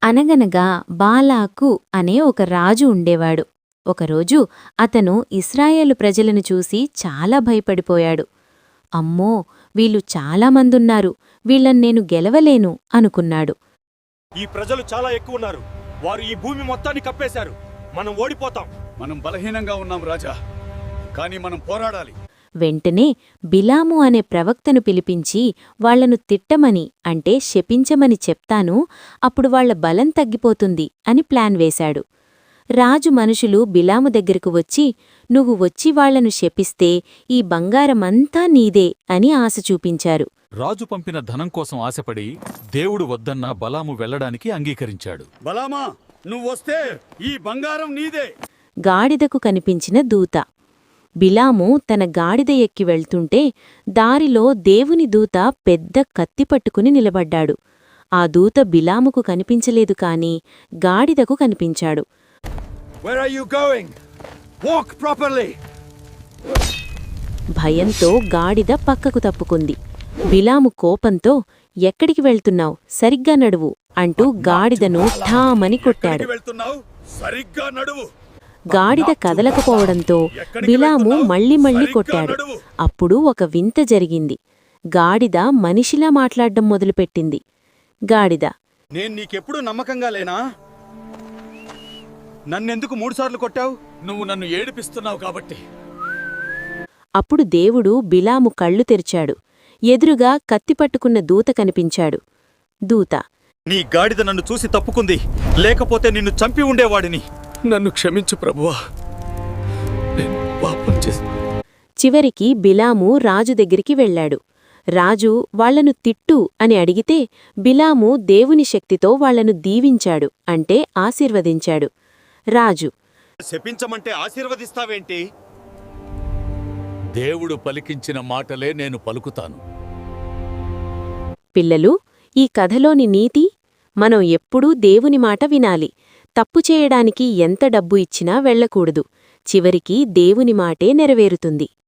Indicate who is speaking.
Speaker 1: అనగనగా బాలాకు అనే ఒక రాజు ఉండేవాడు. ఒకరోజు అతను ఇశ్రాయేలు ప్రజలను చూసి చాలా భయపడిపోయాడు. అమ్మో, వీళ్ళు చాలామందున్నారు, వీళ్ళన్నేను గెలవలేను అనుకున్నాడు.
Speaker 2: ఈ ప్రజలు చాలా ఎక్కువున్నారు. వారు ఈ భూమి మొత్తాన్ని కప్పేశారు. మనం ఓడిపోతాం.
Speaker 3: మనం బలహీనంగా ఉన్నాం రాజా, కానీ మనం పోరాడాలి.
Speaker 1: వెంటనే బిలాము అనే ప్రవక్తను పిలిపించి వాళ్లను తిట్టమని అంటే శపించమని చెప్తాను, అప్పుడు వాళ్ల బలం తగ్గిపోతుంది అని ప్లాన్ వేశాడు. రాజు మనుషులు బిలాము దగ్గరకు వచ్చి, నువ్వు వచ్చి వాళ్లను శపిస్తే ఈ బంగారమంతా నీదే అని ఆశ చూపించారు.
Speaker 4: రాజు పంపిన ధనం కోసం ఆశపడి దేవుడు వద్దన్న బలాము వెళ్లడానికి అంగీకరించాడు.
Speaker 3: బలామా, నువ్వొస్తే ఈ బంగారం నీదే.
Speaker 1: గాడిదకు కనిపించిన దూత. బిలాము తన గాడిద ఎక్కి వెళ్తుంటే దారిలో దేవుని దూత పెద్ద కత్తి పట్టుకుని నిలబడ్డాడు. ఆ దూత బిలాముకు కనిపించలేదు కాని గాడిదకు కనిపించాడు.
Speaker 2: Where are you going? Walk properly.
Speaker 1: భయంతో గాడిద పక్కకు తప్పుకుంది. బిలాము కోపంతో, ఎక్కడికి వెళ్తున్నావ్, సరిగ్గా నడువు అంటూ గాడిదను ఠామని కొట్టాడు.
Speaker 3: వెళ్తున్నావు, సరిగ్గా నడువు.
Speaker 1: గాడిద కదలకపోవడంతో బిలాము మళ్ళీ కొట్టాడు. అప్పుడు ఒక వింత జరిగింది. గాడిద మనిషిలా మాట్లాడ్డం మొదలుపెట్టింది. గాడిద,
Speaker 2: నేను నీకెప్పుడు నమ్మకంగా లేనా? నన్నెందుకు 3 సార్లు కొట్టావు?
Speaker 3: నువ్వు నన్ను ఏడిపిస్తున్నావు కాబట్టి.
Speaker 1: అప్పుడు దేవుడు బిలాము కళ్ళు తెరిచాడు. ఎదురుగా కత్తిపట్టుకున్న దూత కనిపించాడు. దూత,
Speaker 2: నీ గాడిద నన్ను చూసి తప్పుకుంది, లేకపోతే నిన్ను చంపి ఉండేవాడిని.
Speaker 3: నన్ను క్షమించు ప్రభువా, నేను పాపం చేశాను.
Speaker 1: చివరికి బిలాము రాజు దగ్గరికి వెళ్లాడు. రాజు వాళ్లను తిట్టు అని అడిగితే బిలాము దేవుని శక్తితో వాళ్లను దీవించాడు, అంటే ఆశీర్వదించాడు. రాజు,
Speaker 2: శపించమంటే ఆశీర్వదిస్తావేంటి?
Speaker 4: దేవుడు పలికించిన మాటలే నేను పలుకుతాను.
Speaker 1: పిల్లలు, ఈ కథలోని నీతి, మనం ఎప్పుడూ దేవుని మాట వినాలి. తప్పు చేయడానికి ఎంత డబ్బు ఇచ్చినా వెళ్లకూడదు. చివరికి దేవుని మాటే నెరవేరుతుంది.